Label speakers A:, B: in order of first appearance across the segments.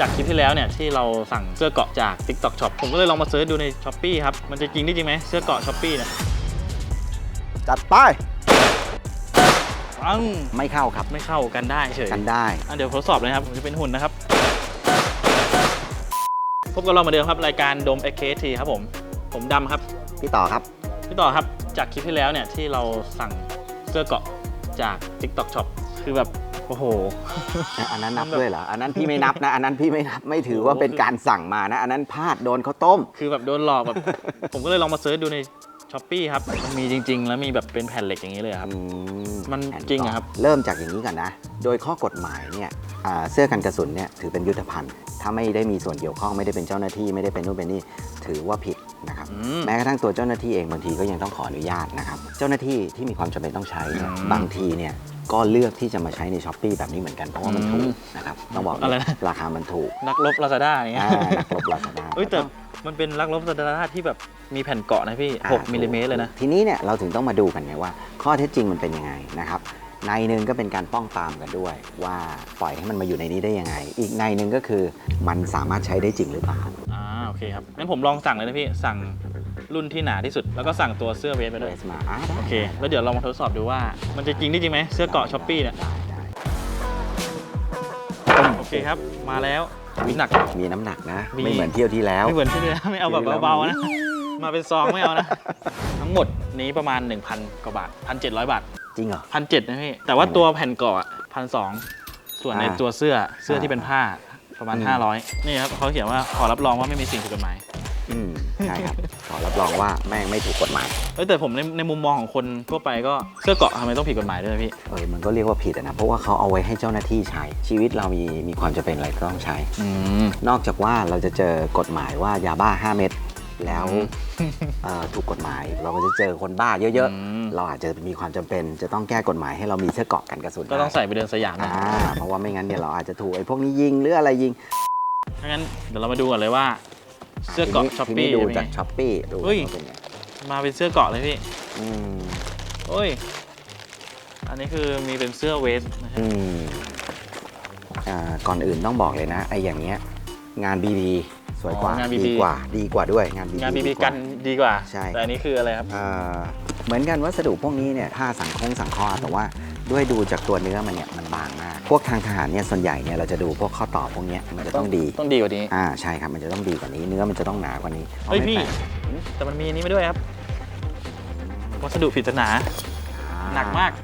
A: จากคลิปที่แล้วเนี่ยที่เราสั่งเสื้อเกาะจาก TikTok Shop ผมก็เลยลองมาเซิร์ชดูใน Shopee ครับมันจะจริงได้จริงไหมเสื้อเกาะ Shopee เนี่ย
B: จัดไปไม่เข้าครับ
A: ไม่เข้ากันได้เฉย
B: กันได้
A: เดี๋ยวทดสอบเลยครับผมจะเป็นหุ่นนะครับพบกับเราเหมือนเดิมครับรายการโดม XKT ครับผมดำครับ
B: พี่ต่อครับ
A: จากคลิปที่แล้วเนี่ยที่เราสั่งเสื้อเกาะจาก TikTok Shop คือแบบโอ้โห
B: อันนั้นนับด้วยเหรออันนั้นพี่ไม่นับนะอันนั้นพี่ไม่นับไม่ถือว่าเป็นการสั่งมานะอันนั้นพลาดโดนข้าวต้ม
A: คือแบบโดนหลอกแบบผมก็เลยลองมาเซิร์ชดูใน Shopee ครับมันมีจริงๆแล้วมีแบบเป็นแผ่นเหล็กอย่างนี้เลยครับมันจริงครับ
B: เริ่มจากอย่างนี้ก่อนนะโดยข้อกฎหมายเนี่ยเสื้อกันกระสุนเนี่ยถือเป็นยุทธภัณฑ์ถ้าไม่ได้มีส่วนเกี่ยวข้องไม่ได้เป็นเจ้าหน้าที่ไม่ได้เป็นนู่นเป็นนี่ถือว่าผิดนะครับแม้กระทั่งตัวเจ้าหน้าที่เองบางทีก็ยังต้องขออนุญาตนะครับเจ้าหน้าที่ที่มีความจำเป็นต้องใช้เนี่ยบางทีเนี่ยก็เลือกที่จะมาใช้ใน Shopee แบบนี้เหมือนกันเพราะว่ามันถูกนะครับต้องบอกราคามันถูก
A: นักรบ Lazada อย่างเงี้ย
B: นักรบ Lazada
A: แต่มันเป็นนักรบ Lazada ที่แบบมีแผ่นเกาะนะพี่6มิลลิเมตรเลยนะ
B: ทีนี้เนี่ยเราถึงต้องมาดูกันไงว่าข้อเท็จจริงมันเป็นยังไงนะครับในหนึ่งก็เป็นการป้องปรามกันด้วยว่าปล่อยให้มันมาอยู่ในนี้ได้ยังไงอีกในหนึ่งก็คือมันสามารถใช้ได้จริงหรือเปล่า
A: โอเคครับงั้นผมลองสั่งเลยนะพี่สั่งรุ่นที่หนาที่สุดแล้วก็สั่งตัวเสื้อเวสไปด้วยโอเคแล้วเดี๋ยวเรามาทดสอบดูว่ามันจะจริงได้จริงไหมเสื้อเกาะ Shopee เนี่ยโอเคครับมาแล้วมีหนัก
B: มีน้ำหนักนะไม่เหมือนเที่ยวที่แล้ว
A: ไม่เหมือนที่แล้วไม่เอาแบบเบาๆนะมาเป็นซองไม่เอานะทั้งหมดนี้ประมาณ 1,000 กว่าบาท 1,700 บาท
B: จริงเหรอ
A: 1,700นะพี่แต่ว่าตัวแผ่นเกาะ 1,200 ส่วนในตัวเสื้อที่เป็นผ้าประมาณ500นี่ครับเขาเขียนว่าขอรับรองว่าไม่มีสิ่งผิดกฎหมาย
B: ใช่ครับขอรับรองว่าแม่งไม่ถูกกฎหมาย
A: แต่ผมในมุมมองของคนทั่วไปก็เสื้อเกาะทำไมต้องผิดกฎหมายด้วยพี่
B: มันก็เรียกว่าผิดนะเพราะว่าเขาเอาไว้ให้เจ้าหน้าที่ใช้ชีวิตเรามีความจำเป็นอะไรก็ต้องใช้นอกจากว่าเราจะเจอกฎหมายว่ายาบ้า5 เม็ดแล้วถูกกฎหมายเราก็จะเจอคนบ้าเยอะๆเราอาจจะมีความจำเป็นจะต้องแก้กฎหมายให้เรามีเสื้อเกราะกันกระสุน
A: ก็ต้องใส่ไปเดินสยามนะ
B: เพราะว่าไม่งั้นเนี่ยเราอาจจะถูกไอ้พวกนี้ยิงหรืออะไรยิง
A: งั้นเดี๋ยวเรามาดูกันเลยว่าเสื้อเกาะ Shopee
B: ดูจาก Shopee ดูเป็นไง
A: มาเป็นเสื้อเกาะเลยพี่อันนี้คือมีเป็นเสื้อเวส
B: ก่อนอื่นต้องบอกเลยนะไอ้อย่างเงี้ยงาน BB สวยกว่าดีกว่าด้วยงาน
A: BB กันดีกว่าใช่แต่อันนี้คืออะไรครับ
B: เหมือนกันวัสดุพวกนี้เนี่ยถ้าสังเคราะห์แต่ว่าด้วยดูจากตัวเนื้อมันเนี่ยมันบางมากพวกทางทหารเนี่ยส่วนใหญ่เนี่ยเราจะดูพวกข้อต่อพวกนี้มันจะต้องดี
A: กว่านี้
B: ใช่ครับมันจะต้องดีกว่านี้เนื้อมันจะต้องหนากว่านี้
A: พี่แต่มันมีอันนี้ไม่ด้วยครับวัสดุปริศนาหนักมาก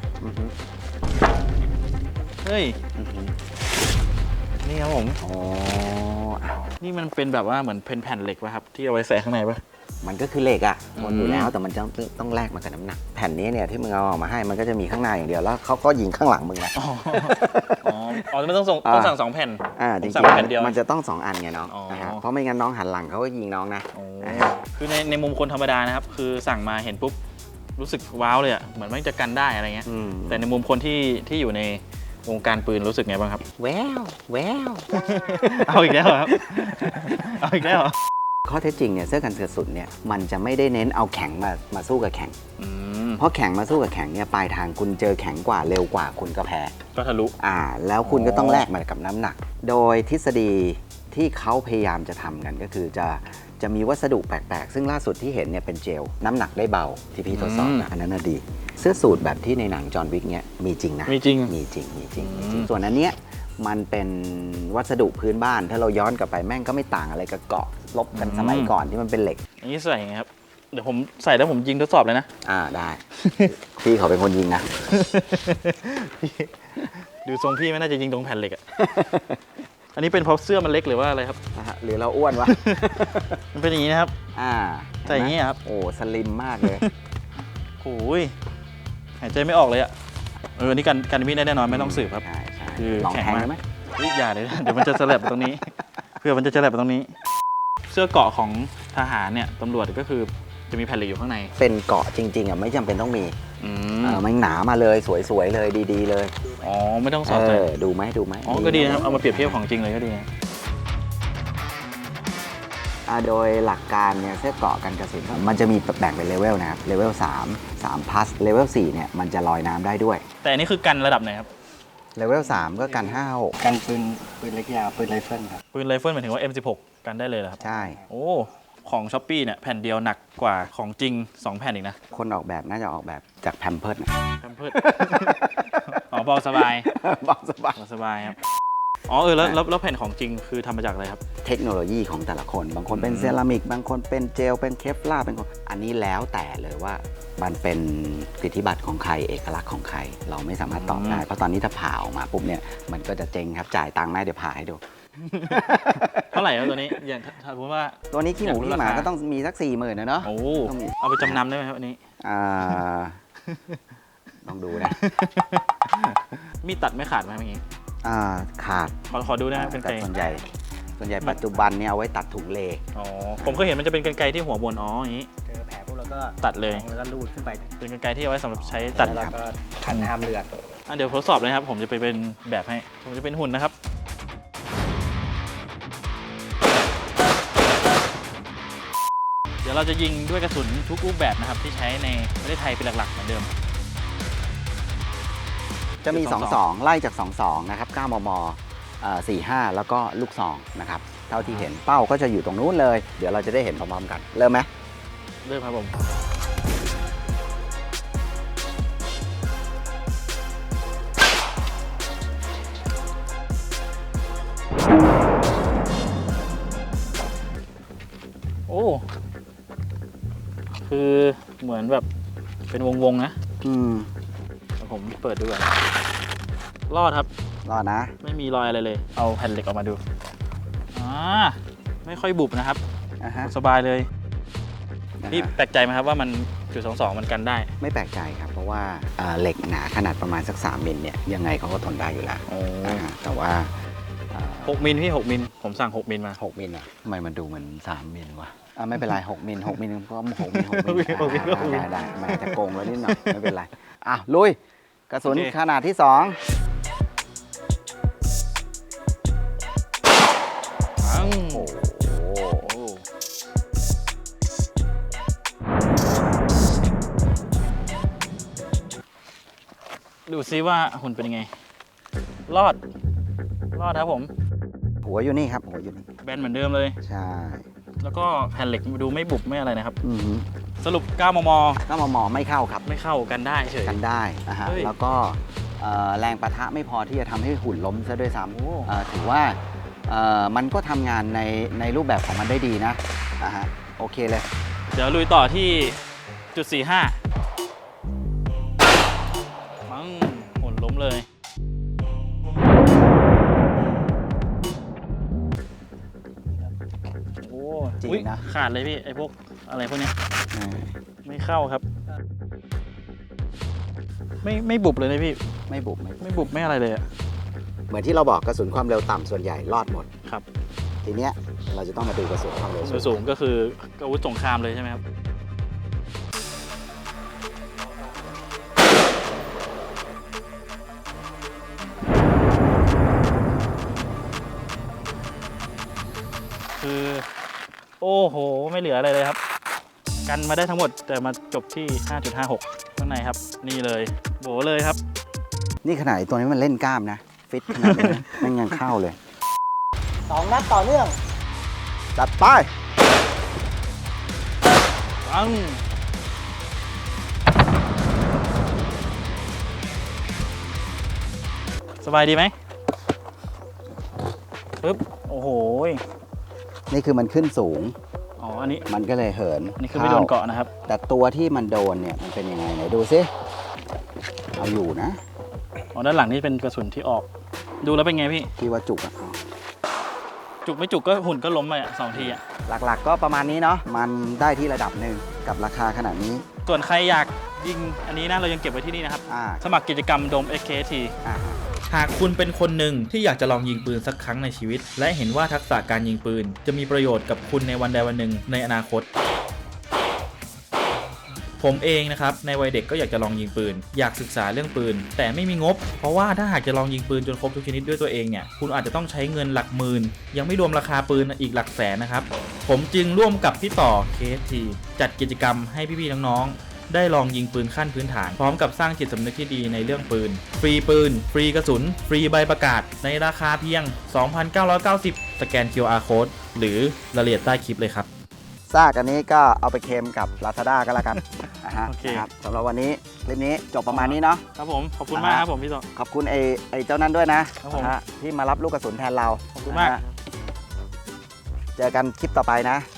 A: นี่ครับผมนี่มันเป็นแบบว่าเหมือนแผ่นเหล็กป่ะครับที่เอาไว้ใส่ข้างในป่ะ
B: มันก็คือเหล็กทนอยู่แล้วแต่มันต้องแลกมากับน้ำหนักแผ่นนี้เนี่ยที่มึงเอาออกมาให้มันก็จะมีข้างหน้าอย่างเดียวแล้วเขาก็ยิงข้างหลังมึงนะ
A: ไม่ต้องสั่ง2 แผ่น
B: จริงๆมันจะต้อง2 อันไงน้องเพราะไม่งั้นน้องหันหลังเขาก็ยิงน้องนะ
A: คือในมุมคนธรรมดานะครับคือสั่งมาเห็นปุ๊บรู้สึกว้าวเลยเหมือนมันจะกันได้อะไรเงี้ยแต่ในมุมคนที่อยู่ในวงการปืนรู้สึกไงบ้างครับ
B: แวว
A: เอาอีกแล้วครับเอาอีกแล้ว
B: ข้อเท็จจริงเนี่ยเสื้อกันกระสุนเนี่ยมันจะไม่ได้เน้นเอาแข็งมาสู้กับแข็งเพราะแข็งมาสู้กับแข็งเนี่ยปลายทางคุณเจอแข็งกว่าเร็วกว่าคุณก็แพ้
A: ก็ทะลุ
B: แล้วคุณก็ต้องแลกมากับน้ำหนักโดยทฤษฎีที่เขาพยายามจะทำกันก็คือจะมีวัสดุแปลกๆซึ่งล่าสุดที่เห็นเนี่ยเป็นเจลน้ำหนักได้เบาที่พี่ทดสอบนะอันนั้นดีเสื้อสูทแบบที่ในหนังจอห์นวิกเนี่ยมีจริงนะ
A: มีจริง
B: ส่วนอันเนี้ยมันเป็นวัสดุพื้นบ้านถ้าเราย้อนกลับไปแม่งก็ไม่ต่างอะไรกับเกาะลบกันสมัยก่อนที่มันเป็นเหล็ก
A: อันนี้ใส่ไงครับเดี๋ยวผมใส่แล้วผมยิงทดสอบเลยนะ
B: ได้พี่เขาเป็นคนยิงนะ
A: ดูทรงพี่ไม่น่าจะยิงตรงแผ่นเหล็กอันนี้เป็นเพราะเสื้อมันเล็กหรือว่าอะไรครับ
B: หรือเราอ้วนวะ
A: มันเป็นอย่างนี้นะครับใส่อย่างนี้ครับ
B: โอ้สลิมมากเลย
A: โอ้ยหายใจไม่ออกเลยอันนี้กันมีดได้แน่นอนไม่ต้องสืบครับ
B: คือแข็งมากไหม
A: อย่าเลยเดี๋ยวมันจะสลับไปตรงนี้เพื่อมันจะสลับไปตรงนี้เสื้อเกราะของทหารเนี่ยตำรวจก็คือจะมีแผ่นเหล็กอยู่ข้างใน
B: เป็นเกราะจริงๆไม่จำเป็นต้องมีมันหนามาเลยสวยๆเลยดีๆเลย
A: ไม่ต้องสอดใส่
B: ดูไหม
A: ก็ดีนะครับเอามาเปรียบเทียบของจริงเลยก็ดี
B: โดยหลักการเนี่ยเสื้อเกราะกันกระสุนมันจะมีแบ่งเป็นเลเวลนะครับเลเวล3 plus เลเวล4เนี่ยมันจะลอยน้ำได้ด้วย
A: แต่อันนี้คือกันระดับไหนครับ
B: เลเวล3ก็กัน 5-6
C: กันปืนเล็กยาวปืนไรเฟิลครับ
A: ปืนไรเฟิลหมายถึงว่า M16 กันได้เลยเหรอครับ
B: ใช่
A: โอ้ของ Shopee เนี่ยแผ่นเดียวหนักกว่าของจริง 2 แผ่นอีกนะ
B: คนออกแบบน่าจะออกแบบจากแพมเพิร์ดนะ
A: แพมเพิร์ส อ๋อเบาสบาย
B: บอกสบาย
A: เบาสบายครับอ๋อแล้วแผ่นของจริงคือทำมาจากอะไรครับ
B: เทคโนโลยีของแต่ละคน บางคนเป็นเซรามิก บางคนเป็นเจล เป็นเคฟลาร์เป็นคนอันนี้แล้วแต่เลยว่ามันเป็นสิทธิบัตรของใคร เอกลักษณ์ของใคร เราไม่สามารถตอบได้ เพราะตอนนี้ถ้าผ่าออกมาปุ๊บเนี่ย มันก็จะเจ๊งครับ จ่ายตังค์ไหมเดี๋ยวผ่าให้ดู
A: เท่าไหร่ครับตัวนี้อย่างถ้าสมมติว่า
B: ตัวนี้ขี้หมู
A: อยากรู้
B: ขี้หมา
A: ราคา
B: ก็ต้องมีสัก 40,000นะเนาะ
A: โอ้
B: ต้องมี
A: เอาไปจำนำได้ไหมครับอันนี้
B: อ่าลองดูนะ
A: มีดตัดไม่ขาดไหมเมื่อกี้
B: ขาด
A: ขอดูได้ไหมเป็น
B: แต่
A: ไกล
B: ส่วนใหญ่ปัจจุบันเนี่ยเอาไว้ตัดถุงเล
A: อ๋อผมเคยเห็นมันจะเป็นกรรไกรที่หัวบนอ๋ออย่างนี้
C: เจอแผลพวกเราก็
A: ตัดเลย
C: แล้วก็ลูดขึ้นไป
A: เป็นกรรไกรที่เอาไว้สำหรับใช้ตัด
C: แล้วเราก็ขันห้ามเลือด
A: เดี๋ยวทดสอบเลยครับ ผมจะไปเป็นแบบให้ ผมจะเป็นหุ่นนะครับ เดี๋ยวเราจะยิงด้วยกระสุนทุกรูปแบบนะครับ ที่ใช้ในประเทศไทยเป็นหลักๆเหมือนเดิม
B: จะมี 22 ไล่จาก 22 นะครับ 9 มม 45 แล้วก็ลูกซองนะครับ เท่าที่เห็นเป้าก็จะอยู่ตรงนู้นเลย เดี๋ยวเราจะได้เห็นพร้อมๆกัน เริ่มไหม
A: เริ่มครับผม โอ้ คือเหมือนแบบเป็นวงๆนะ
B: อืม
A: เดี๋ยวผมเปิดดูก่อนรอดครับ
B: รอดนะ
A: ไม่มีรอยอะไรเลย เอาแผ่นเหล็กออกมาดูไม่ค่อยบุบนะครับ
B: อ่าฮะ
A: สบายเลย
B: นะ
A: พี่
B: ฮะ
A: แปลกใจไหมครับว่ามันจุด22มันกันได้
B: ไม่แปลกใจครับ เพราะว่าเหล็กหนาขนาดประมาณสัก 3 มิลเนี่ย ยังไงเขาก็ทนได้อยู่แล้วนะฮะแต่ว่า
A: 6 มิลพี่ 6 มิล ผมสั่ง 6 มิลมา
B: 6 มิลอะทำไมมันดูเหมือน 3 มิลวะไม่เป็นไร 6 มิล 6 มิลก็6 มิล 6 มิล
A: 6 มิลก็6 มิล
B: ได้มันอาจจะโกงไว้นิดหน่อย ไม่เป็นไร ลุย กระสุน
A: โอเค
B: ขนาดที่ 2
A: ปัง
B: โอ้โห
A: ดูซิว่าหุ่นเป็นยังไง รอดครับผม
B: หัวอยู่นี่ครับ หัวอยู่นี่
A: แบนเหมือนเดิมเลย
B: ใช่
A: แล้วก็แผ่นเหล็กดูไม่บุบไม่อะไรนะครับ
B: อือฮึ
A: สรุป 9 มม
B: ก็มอไม่เข้าครับ
A: ไม่เข้ากันได้เฉย
B: กันได้นะฮะ
A: เฮ้ย
B: แล้วก็แรงปะทะไม่พอที่จะทำให้หุ่นล้มซะด้วยซ้
A: โอ้
B: ำถือว่ามันก็ทำงานในรูปแบบของมันได้ดีนะฮะโอเคเลย
A: เดี๋ยวลุยต่อที่จุด45ปังหุ่นล้มเลย โอ้
B: จริง
A: อุ๊ย
B: นะ
A: ขาดเลยพี่ ไอ้พวกอะไรพวกเนี้ยไม่เข้าครับ ไม่บุบเลยนะพี่
B: ไม่บุบ
A: ไม่บุบไม่อะไรเลยอะ
B: เหมือนที่เราบอกกระสุนความเร็วต่ำส่วนใหญ่รอดหมด
A: ครับ
B: ทีเนี้ยเราจะต้องมาดูกระสุนความเร็ว
A: สูงก็คืออาวุธสงครามเลยใช่ไหมครับ คือ โอ้โห ไม่เหลืออะไรเลยครับ กันมาได้ทั้งหมดแต่มาจบที่ 5.56 ข้างในครับ นี่เลยโบเลยครับ
B: นี่ขนาดไอ้ตัวนี้มันเล่นกล้ามนะ ฟิตขนาดนี้นะ แม่งยังเข้าเลย
C: 2 นัดต่อเนื่อง
B: จัดไป
A: ปังสบายดีไหมปึ๊บ โอ้โห
B: นี่คือมันขึ้นสูง
A: อ๋อ อันนี้
B: มันก็เลยเหิน
A: อันนี้คือไม่โดนเกาะนะครับ
B: แต่ตัวที่มันโดนเนี่ยมันเป็นยังไงไหนดูซิเอาอยู่นะ
A: อ๋อ ด้านหลังนี่เป็นกระสุนที่ออก ดูแล้วเป็นไงพี่
B: ที่ว่าจุกอะ
A: จุกไม่จุกก็หุ่นก็ล้มไปอ่ะ2 ทีอ่ะ
B: หลักๆก็ประมาณนี้เนาะมันได้ที่ระดับหนึ่งกับราคาขนาดนี้
A: ส่วนใครอยากยิงอันนี้นะ เรายังเก็บไว้ที่นี่นะครับ
B: อ่า
A: สมัครกิจกรรมโดม SKT
B: อ่า
A: หากคุณเป็นคนหนึ่งที่อยากจะลองยิงปืนสักครั้งในชีวิต และเห็นว่าทักษะการยิงปืนจะมีประโยชน์กับคุณในวันใดวันหนึ่งในอนาคต ผมเองนะครับในวัยเด็กก็อยากจะลองยิงปืน อยากศึกษาเรื่องปืน แต่ไม่มีงบ เพราะว่าถ้าหากจะลองยิงปืนจนครบทุกชนิดด้วยตัวเองเนี่ยคุณอาจจะต้องใช้เงินหลักหมื่นยังไม่รวมราคาปืนอีกหลักแสนนะครับผมจึงร่วมกับพี่ต่อ KST จัดกิจกรรมให้พี่ๆน้องๆได้ลองยิงปืนขั้นพื้นฐานพร้อมกับสร้างจิตสำนึกที่ดีในเรื่องปืนฟรีปืนฟรีกระสุนฟรีใบประกาศในราคาเพียง 2,990 สแกน QR Code หรือรายละเอียดใต้คลิปเลยครับ
B: ซากอันนี้ก็เอาไปเค็มกับ Lazada ก็แล้วกันนะฮะ
A: โอเค
B: นะครับสำหรับวันนี้คลิปนี้จบประมาณนี้เนาะ
A: ครับผมขอบคุณมากครับผมพี่โต
B: ขอบคุณไอ้เจ้านั้นด้วยนะครับ
A: ผม
B: นะฮะที่มารับลูกกระสุนแทนเรา
A: ขอบคุณมาก
B: นะฮะเจอกันคลิปต่อไปนะ